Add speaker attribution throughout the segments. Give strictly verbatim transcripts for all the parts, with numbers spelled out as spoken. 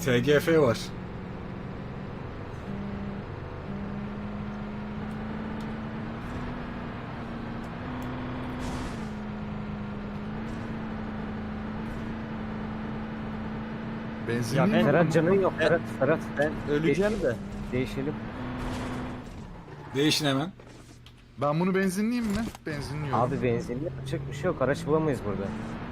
Speaker 1: T G F var.
Speaker 2: Benzin
Speaker 3: Ya
Speaker 2: değil
Speaker 3: ben-
Speaker 2: mi?
Speaker 4: Ferhat canın yok.
Speaker 3: Ben-
Speaker 4: Ferhat, Ferhat.
Speaker 3: Ben öleceğim de.
Speaker 4: Değişelim.
Speaker 1: Değişin hemen.
Speaker 2: Ben bunu benzinleyeyim mi? Benzinliyorum.
Speaker 4: Abi benzinli yapacak bir şey yok. Araç bulamayız burada.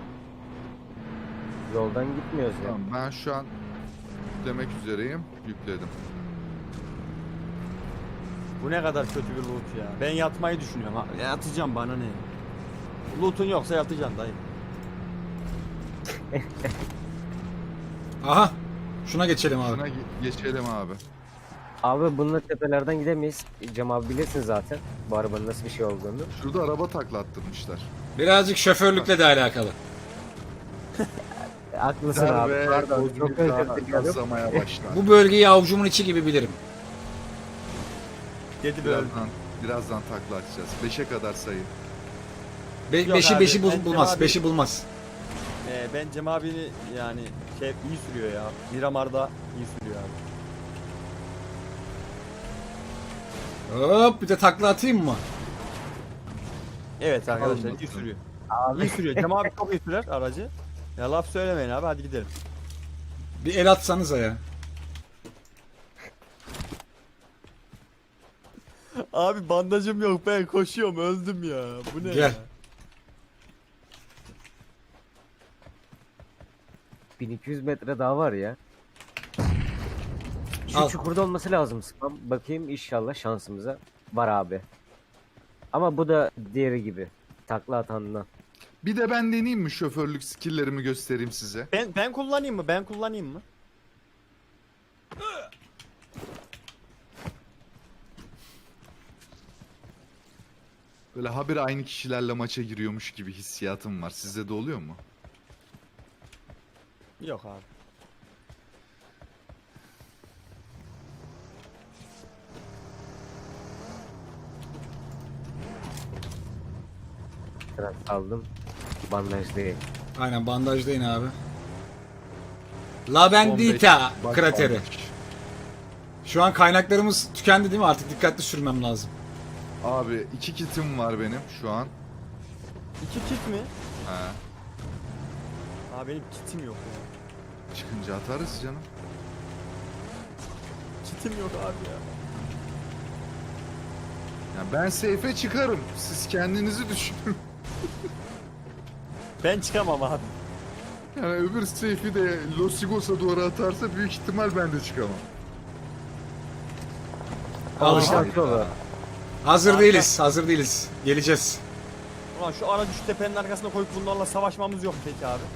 Speaker 4: Yoldan gitmiyoruz ya.
Speaker 2: Tamam, ben şu an demek üzereyim. Yükledim.
Speaker 3: Bu ne kadar kötü bir loot ya. Ben yatmayı düşünüyorum. Ha, yatacağım bana ne? Loot'un yoksa yatacaksın dayı.
Speaker 1: Aha. Şuna geçelim abi.
Speaker 2: Şuna ge- geçelim abi.
Speaker 4: Abi bununla tepelerden gidemeyiz. Cem abi bilirsin zaten bu arabanın nasıl bir şey olduğunu.
Speaker 2: Şurada araba taklattırmışlar.
Speaker 1: Birazcık şoförlükle de alakalı.
Speaker 4: E, haklısın abi.
Speaker 2: Derbe
Speaker 4: Pardon. Çok özür
Speaker 2: Kozmik
Speaker 4: diliyorum.
Speaker 2: gazlamaya başlar.
Speaker 1: Bu bölgeyi avucumun içi gibi bilirim.
Speaker 3: Dedi böyle.
Speaker 2: Birazdan, birazdan takla atacağız. Beşe kadar sayın.
Speaker 1: Be
Speaker 3: Yok
Speaker 1: beşi
Speaker 3: abi,
Speaker 1: beşi bul-
Speaker 3: bence
Speaker 1: bulmaz.
Speaker 3: abi-
Speaker 1: Beşi bulmaz.
Speaker 3: Ee, ben Cem abini yani şey iyi sürüyor ya. Miramar'da iyi sürüyor abi.
Speaker 1: Hop bir de takla atayım mı?
Speaker 3: Evet arkadaşlar iyi
Speaker 2: bakalım.
Speaker 3: sürüyor.
Speaker 4: Abi
Speaker 3: İyi sürüyor. Cem abi çok iyi sürer aracı. Ya laf söylemeyin abi hadi gidelim.
Speaker 1: Bir el atsanıza ya.
Speaker 3: Abi bandajım yok ben koşuyorum öldüm ya. Bu ne
Speaker 1: Gel.
Speaker 3: ya?
Speaker 4: bin iki yüz metre daha var ya. Şu
Speaker 1: Al.
Speaker 4: çukurda olması lazım spam. Bakayım inşallah şansımıza. Var abi. Ama bu da diğeri gibi. Takla atandan.
Speaker 2: Bir de ben deneyeyim mi şoförlük skilllerimi göstereyim size.
Speaker 3: Ben ben kullanayım mı? Ben kullanayım mı?
Speaker 2: Böyle habire aynı kişilerle maça giriyormuş gibi hissiyatım var. Sizde de oluyor mu?
Speaker 3: Yok abi.
Speaker 4: Biraz aldım. Bandaj değil.
Speaker 1: Aynen bandajdayın abi. La Bendita
Speaker 2: Bak
Speaker 1: krateri.
Speaker 2: almış.
Speaker 1: Şu an kaynaklarımız tükendi değil mi? Artık dikkatli sürmem lazım.
Speaker 2: Abi iki kitim var benim şu an.
Speaker 3: İki kit mi?
Speaker 2: He.
Speaker 3: Abi benim kitim yok ya.
Speaker 2: Çıkınca atarız canım.
Speaker 3: Kitim yok abi ya.
Speaker 2: Ya ben seyfe çıkarım. Siz kendinizi düşünün.
Speaker 3: Ben çıkamam abi.
Speaker 2: Yani öbür seyfi de Losigos'a doğru atarsa büyük ihtimal ben de çıkamam.
Speaker 1: Al işte.
Speaker 4: Bak yolu.
Speaker 1: Hazır
Speaker 3: Kanka.
Speaker 1: değiliz. Hazır değiliz. Geleceğiz.
Speaker 3: Ulan şu aracı şu tepenin arkasına koyup bunlarla savaşmamız yok mu peki abi?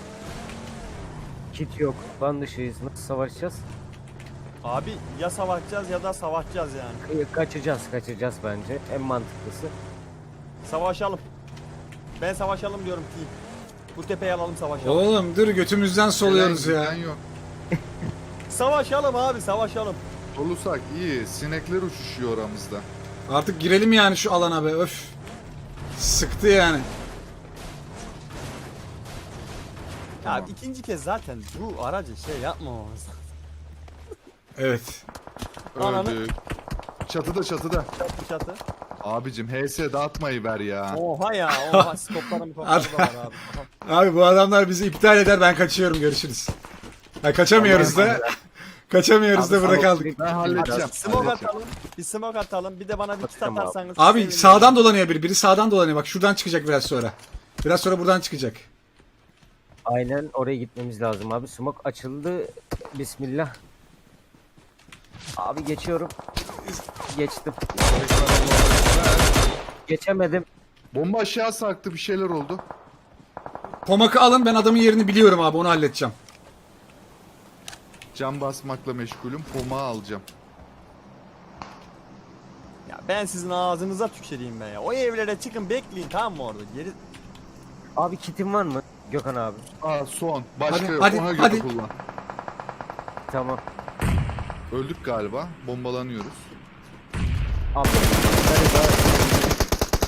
Speaker 4: Kit yok. Ban dışıyız. Nasıl savaşacağız?
Speaker 3: Abi ya savaşacağız ya da savaşacağız yani.
Speaker 4: Ka- Kaçacağız. Kaçacağız bence. En mantıklısı.
Speaker 3: Savaşalım. Ben savaşalım diyorum team. Bu tepeyi alalım savaşalım.
Speaker 1: Oğlum dur götümüzden soluyoruz
Speaker 2: Gelen
Speaker 1: ya.
Speaker 2: giden yok.
Speaker 3: Savaşalım abi savaşalım.
Speaker 2: Solusak iyi. Sinekler uçuşuyor aramızda.
Speaker 1: Artık girelim yani şu alana be. Öf. Sıktı yani.
Speaker 3: Ya ikinci kez zaten bu aracı şey yapmamamız.
Speaker 1: Evet.
Speaker 3: Ananı-
Speaker 2: Öldük. Çatıda çatıda.
Speaker 3: Çatı çatı.
Speaker 2: Abicim H S dağıtmayı ver ya.
Speaker 3: Oha ya oha skoplarım skoplarım da var abi. Aha.
Speaker 1: Abi bu adamlar bizi iptal eder. Ben kaçıyorum. Görüşürüz. Ha, kaçamıyoruz da. Kaçamıyoruz da
Speaker 4: Abi,
Speaker 1: burada
Speaker 4: smoke-
Speaker 1: kaldık.
Speaker 2: Ben halledeceğim.
Speaker 3: Smoke
Speaker 2: halledeceğim.
Speaker 3: atalım. Bir smoke atalım. Bir de bana bir kit
Speaker 4: Atacağım abi.
Speaker 3: atarsanız.
Speaker 1: Abi
Speaker 3: sevinirim.
Speaker 1: sağdan dolanıyor biri. Biri sağdan dolanıyor. Bak şuradan çıkacak biraz sonra. Biraz sonra buradan çıkacak.
Speaker 4: Aynen oraya gitmemiz lazım abi. Smoke açıldı. Bismillah. Abi geçiyorum. Geçtim. Geçemedim.
Speaker 2: Bomba aşağı sarktı, bir şeyler oldu.
Speaker 1: Pomak'ı alın. Ben adamın yerini biliyorum abi. Onu halledeceğim.
Speaker 2: Cam basmakla meşgulüm. Pomağı alacağım.
Speaker 3: Ya ben sizin ağzınıza tüküreyim ben ya. O evlere çıkın bekleyin tamam mı orada? Geri
Speaker 4: Abi kitin var mı? Gökhan abi.
Speaker 2: Aa son. Başka
Speaker 1: Hadi,
Speaker 2: yok.
Speaker 1: hadi,
Speaker 2: Ona göre
Speaker 1: hadi.
Speaker 2: kullan.
Speaker 4: Tamam.
Speaker 2: Öldük galiba. Bombalanıyoruz.
Speaker 4: Abi.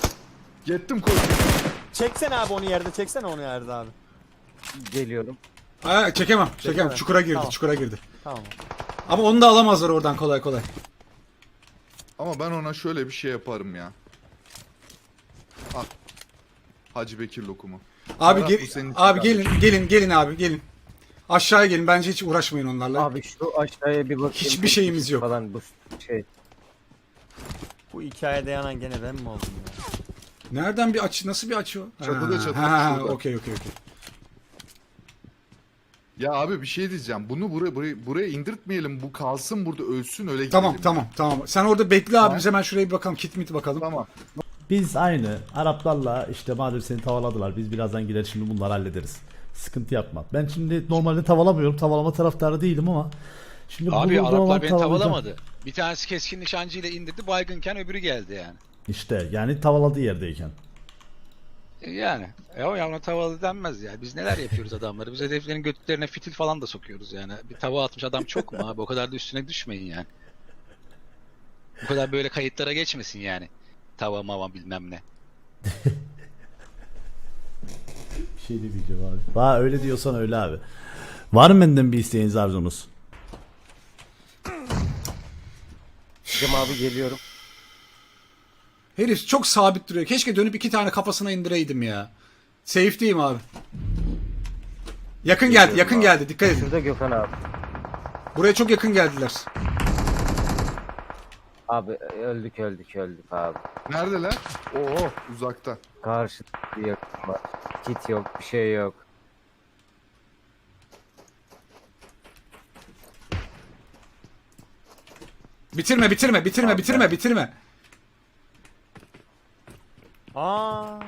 Speaker 2: Yettim koş.
Speaker 3: çeksene abi onu yerde. Çeksene onu yerde abi.
Speaker 4: Geliyorum.
Speaker 1: Aa, çekemem. Çekemem.
Speaker 3: Çekemem.
Speaker 1: Çukura girdi.
Speaker 3: Tamam.
Speaker 1: Çukura girdi.
Speaker 3: Tamam.
Speaker 1: Ama onu da alamazlar oradan kolay kolay.
Speaker 2: Ama ben ona şöyle bir şey yaparım ya. Al. Hacı Bekir lokumu.
Speaker 1: Abi
Speaker 2: Ferhat,
Speaker 1: gel-
Speaker 2: bu senin için
Speaker 1: abi
Speaker 2: kardeşim.
Speaker 1: gelin gelin gelin abi gelin. Aşağıya gelin. Bence hiç uğraşmayın onlarla.
Speaker 4: Abi şu aşağıya bir bakayım.
Speaker 1: Hiçbir şeyimiz yok.
Speaker 4: Falan bu şey.
Speaker 3: Bu hikayede yanan gene ben mi oldum ya?
Speaker 1: Nereden bir açı? Nasıl bir açı o?
Speaker 2: Çatıda,
Speaker 1: Ha,
Speaker 2: çatıda,
Speaker 1: Ha,
Speaker 2: şurada.
Speaker 1: okey okey okey.
Speaker 2: Ya abi bir şey diyeceğim. Bunu buraya buraya, buraya indirtmeyelim. Bu kalsın burada ölsün öyle gidelim.
Speaker 1: Tamam
Speaker 2: ya.
Speaker 1: tamam tamam. Sen orada bekle abi.
Speaker 2: Tamam.
Speaker 1: Biz hemen şuraya bir bakalım. Kit mit bakalım.
Speaker 2: Tamam.
Speaker 5: Biz aynı Araplarla işte madem seni tavaladılar biz birazdan gider şimdi bunları hallederiz. Sıkıntı yapma. Ben şimdi normalde tavalamıyorum. Tavalama taraftarı değilim ama şimdi
Speaker 6: Abi
Speaker 5: bulduğum zaman
Speaker 6: Araplar beni
Speaker 5: tavalayacağım.
Speaker 6: tavalamadı. Bir tanesi keskin nişancıyla indirdi, baygınken öbürü geldi yani.
Speaker 5: İşte yani tavaladığı yerdeyken.
Speaker 6: E Yani. E o ya ona tavalı denmez ya. Biz neler yapıyoruz adamları. Biz hedeflerin götlerine fitil falan da sokuyoruz yani. Bir tava atmış adam çok mu abi? O kadar da üstüne düşmeyin yani. Bu kadar böyle kayıtlara geçmesin yani. Tava mava bilmem ne.
Speaker 5: Bir şey demeyeceğim abi. Va öyle diyorsan öyle abi. Var mı benden bir isteğiniz arzunuz?
Speaker 4: Cem abi geliyorum.
Speaker 1: Herif çok sabit duruyor. Keşke dönüp iki tane kafasına indireydim ya. Safe'deyim abi. Yakın geldi, yakın
Speaker 4: abi.
Speaker 1: geldi. Dikkat edin.
Speaker 4: Şurada Gökhan abi.
Speaker 1: Buraya çok yakın geldiler.
Speaker 4: Abi öldük öldük öldük abi.
Speaker 2: Neredeler? Oo uzakta.
Speaker 4: Karşı bir yakın var. Kit yok bir şey yok.
Speaker 1: Bitirme, bitirme, bitirme,
Speaker 4: Abi
Speaker 1: bitirme,
Speaker 4: ben-
Speaker 1: bitirme.
Speaker 3: Aa.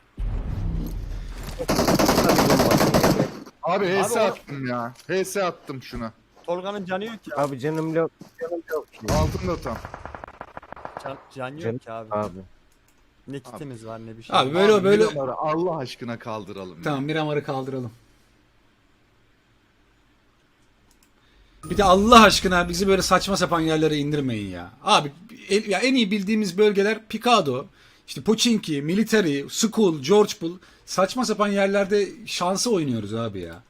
Speaker 2: Abi H S
Speaker 3: o-
Speaker 2: attım ya. H S attım şuna.
Speaker 3: Tolga'nın canı yok ki.
Speaker 4: Abi canım yok. Canım yok ki.
Speaker 2: Altında tam.
Speaker 3: Can, can yok
Speaker 4: Canım
Speaker 3: ki abi.
Speaker 4: abi.
Speaker 3: Ne kitimiz var ne bir şey.
Speaker 1: Abi böyle
Speaker 2: Abi,
Speaker 1: böyle.
Speaker 2: Miramar'ı Allah aşkına kaldıralım. ya.
Speaker 1: Tamam, Miramar'ı kaldıralım. Bir de Allah aşkına bizi böyle saçma sapan yerlere indirmeyin ya. Abi el- ya en iyi bildiğimiz bölgeler Picado, işte Pochinki, Military, School, George Bull. Saçma sapan yerlerde şansı oynuyoruz abi ya.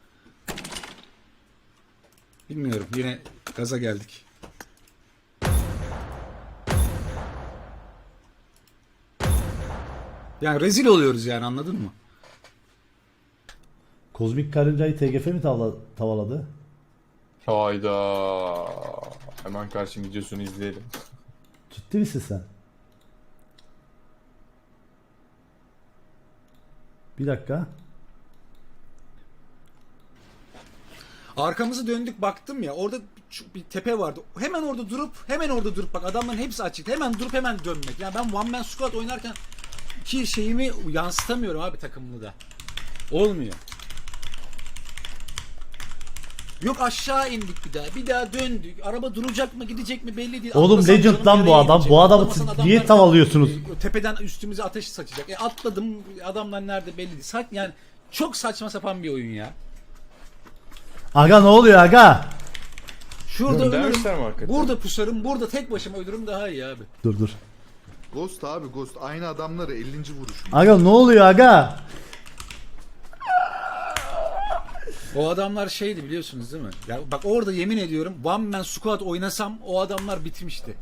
Speaker 1: Bilmiyorum, yine gaza geldik. Yani rezil oluyoruz yani, anladın mı?
Speaker 5: Kozmik karıncayı T G F mi tavla- tavaladı?
Speaker 7: Hayda. Hemen karşı videosunu izleyelim.
Speaker 5: Ciddi misin sen? Bir dakika.
Speaker 1: Arkamızı döndük, baktım ya, orada şu- bir tepe vardı. Hemen orada durup hemen orada durup bak, adamların hepsi açık. Hemen durup hemen dönmek. Yani ben one man squad oynarken ki şeyimi yansıtamıyorum abi takımlı da. Olmuyor. Yok aşağı indik bir daha. Bir daha döndük. Araba duracak mı gidecek mi belli değil.
Speaker 5: Oğlum
Speaker 1: Atlasam
Speaker 5: Legend
Speaker 1: canım
Speaker 5: lan bu
Speaker 1: nereye
Speaker 5: adam.
Speaker 1: gidecek?
Speaker 5: Bu adamı
Speaker 1: Atlamasan
Speaker 5: siz
Speaker 1: adamlar
Speaker 5: niye tavalıyorsunuz?
Speaker 1: e, Tepeden üstümüze ateş saçacak. E atladım. Adamlar nerede belli değil. Sa- yani çok saçma sapan bir oyun ya.
Speaker 5: Aga ne oluyor aga?
Speaker 1: Şurada
Speaker 7: Göndermişler mi
Speaker 1: ölürüm.
Speaker 7: hakikaten?
Speaker 1: Burada pusarım. Burada tek başıma ölürüm daha iyi abi.
Speaker 5: Dur dur.
Speaker 2: Ghost abi Ghost. Aynı adamları ellinci vuruş.
Speaker 5: Aga ne oluyor aga?
Speaker 1: O adamlar şeydi, biliyorsunuz değil mi? Ya bak orada yemin ediyorum one man squad oynasam o adamlar bitmişti.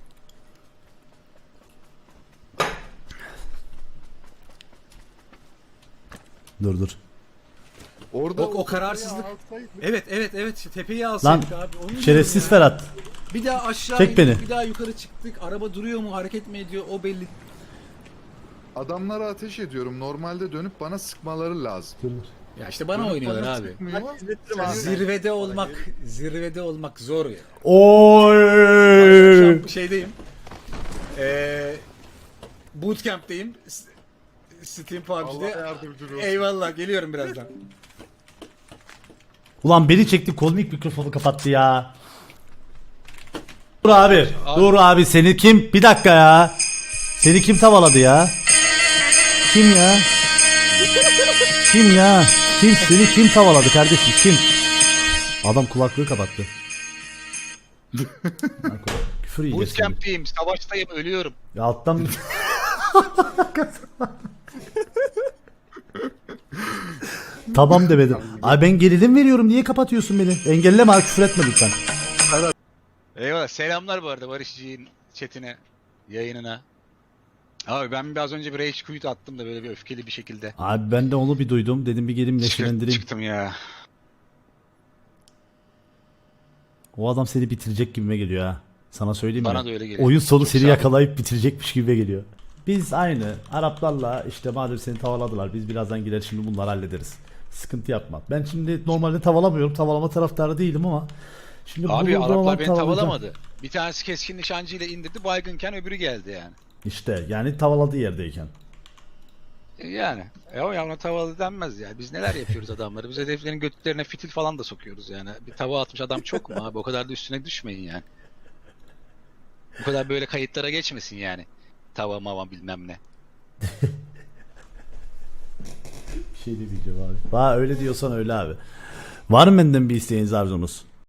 Speaker 5: Dur dur.
Speaker 2: Orada
Speaker 1: O, o kararsızlık.
Speaker 2: alsaydık-
Speaker 1: Evet evet evet, tepeyi alsaydık abi. Onu diyorum
Speaker 5: Şerefsiz
Speaker 1: ya.
Speaker 5: Ferhat.
Speaker 1: Bir daha aşağı
Speaker 5: Çek
Speaker 1: indik,
Speaker 5: beni.
Speaker 1: bir daha yukarı çıktık. Araba duruyor mu, hareket mi ediyor, o belli.
Speaker 2: Adamlara ateş ediyorum. Normalde dönüp bana sıkmaları lazım.
Speaker 5: Dur dur.
Speaker 1: Ya işte bana
Speaker 2: Dönüp
Speaker 1: oynuyorlar
Speaker 2: bana
Speaker 1: abi.
Speaker 2: sıkmıyor.
Speaker 3: İzletirim abi.
Speaker 1: Zirvede olmak, zirvede olmak zor ya.
Speaker 5: Oy.
Speaker 1: Şu an şeydeyim. Eee bootcamp'teyim. S- Steam
Speaker 2: Allah
Speaker 1: P U B G'de.
Speaker 2: yardımcın olsun.
Speaker 1: Eyvallah, geliyorum birazdan.
Speaker 5: Ulan beni çekti kozmik mikrofonu kapattı ya. Dur abi. Dur abi seni kim? Bir dakika ya. Seni kim tavaladı ya? Kim ya? Kim ya? Kim seni kim tavaladı kardeşim kim? Adam kulaklığı kapattı. Küfür yiyeceğiz şimdi.
Speaker 6: Bootcamp'teyim, savaştayım, ölüyorum.
Speaker 5: Ya alttan Tamam demedim. Abi ben gerilim veriyorum. Niye kapatıyorsun beni? Engelleme abi, küfür etme lütfen.
Speaker 6: Eyvallah. Selamlar bu arada Barışçı'nın chatine, yayınına. Abi ben biraz önce bir rage quit attım da böyle bir öfkeli bir şekilde.
Speaker 5: Abi ben de onu bir duydum. Dedim bir geleyim neşelendireyim.
Speaker 6: Çıktım ya.
Speaker 5: O adam seni bitirecek gibime geliyor ha. Sana söyleyeyim mi?
Speaker 6: Bana da öyle geliyor.
Speaker 5: Oyun sonu
Speaker 6: Çok
Speaker 5: seni
Speaker 6: sağ ol.
Speaker 5: yakalayıp bitirecekmiş gibi geliyor. Biz aynı Araplarla işte madem seni tavaladılar biz birazdan gider şimdi bunları hallederiz. Sıkıntı yapma. Ben şimdi normalde tavalamıyorum. Tavalama taraftarı değilim ama şimdi
Speaker 6: Abi
Speaker 5: bulduğum zaman
Speaker 6: Araplar beni
Speaker 5: tavalayacağım.
Speaker 6: tavalamadı. Bir tanesi keskin nişancıyla indirdi, baygınken öbürü geldi yani.
Speaker 5: İşte yani tavaladığı yerdeyken.
Speaker 6: E, Yani. E o yavrum tavalı denmez ya. Biz neler yapıyoruz adamları. Biz hedeflerin götlerine fitil falan da sokuyoruz yani. Bir tava atmış adam çok mu abi? O kadar da üstüne düşmeyin yani. Bu kadar böyle kayıtlara geçmesin yani. Tava mava bilmem ne.
Speaker 5: Bir şey demeyeceğim abi. Va öyle diyorsan öyle abi. Var mı benden bir isteğiniz arzunuz?